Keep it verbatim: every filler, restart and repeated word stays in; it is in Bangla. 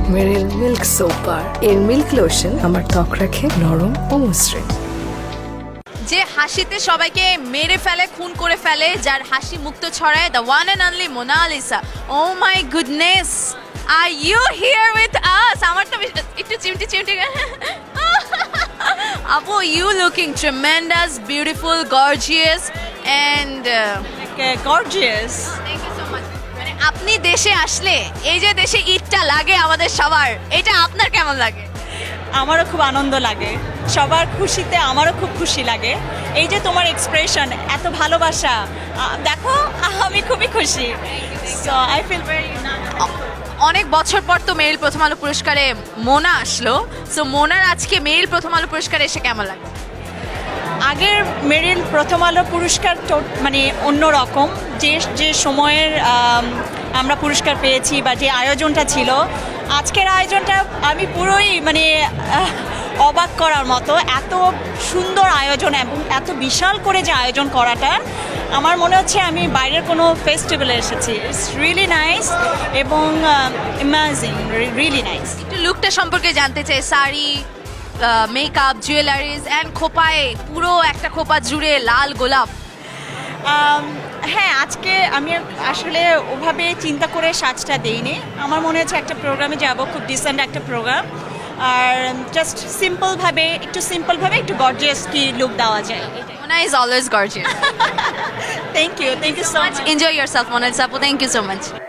মেরিল মিল্ক সোপ বার। এর মিল্ক লোশন আমার ত্বক রাখে নরম ও মসৃণ। যে হাসিতে সবাইকে মেরে ফেলে, খুন করে ফেলে, যার হাসি মুক্ত ছড়ায়, the one and only Monalisa. Oh my goodness, are you here with us? আমার তো বেশ- একটু চিমটি চিমটি আপু, you looking tremendous, beautiful, gorgeous and gorgeous. Thank you so much. মানে আপনি দেশে আসলে এই যে দেশে ঈদটা লাগে আমাদের সবার, এটা আপনার কেমন লাগে? আমারও খুব আনন্দ লাগে, সবার খুশিতে আমারও খুব খুশি লাগে। এই যে তোমার এক্সপ্রেশন, এত ভালোবাসা, আহ, দেখো আমি খুবই খুশি। সো আই ফিল ভেরি অনেক বছর পর তো মেরিল প্রথম আলো পুরস্কারে মোনা আসলো, সো মোনার আজকে মেরিল প্রথম আলো পুরস্কারে এসে কেমন লাগে? আগের মেরিল প্রথম আলো পুরস্কার তো মানে অন্যরকম, যে যে সময়ের আম, আমরা পুরস্কার পেয়েছি বা যে আয়োজনটা ছিল, আজকের আয়োজনটা আমি পুরোই মানে আহ, অবাক করার মতো। এত সুন্দর আয়োজন এবং এত বিশাল করে যে আয়োজন করাটা, আমার মনে হচ্ছে আমি বাইরের কোনো ফেস্টিভ্যালে এসেছি। ইটস রিয়েলি নাইস এবং অ্যামেজিং, রিয়েলি নাইস। একটু লুকটা সম্পর্কে জানতে চাই। শাড়ি, মেকআপ, জুয়েলারিজ অ্যান্ড খোপায় পুরো একটা খোপা জুড়ে লাল গোলাপ। আম, হ্যাঁ, আজকে আমি আসলে ওভাবে চিন্তা করে সাজটা দেইনি। আমার মনে হচ্ছে একটা প্রোগ্রামে যাব, খুব ডিসেন্ট একটা প্রোগ্রাম, আর জাস্ট সিম্পলভাবে, একটু সিম্পলভাবে একটু গর্জিয়াস কি লুক দেওয়া যায়। Mona is always gorgeous. Thank you, thank you so much. Enjoy yourself, Monalisa. Thank you so much.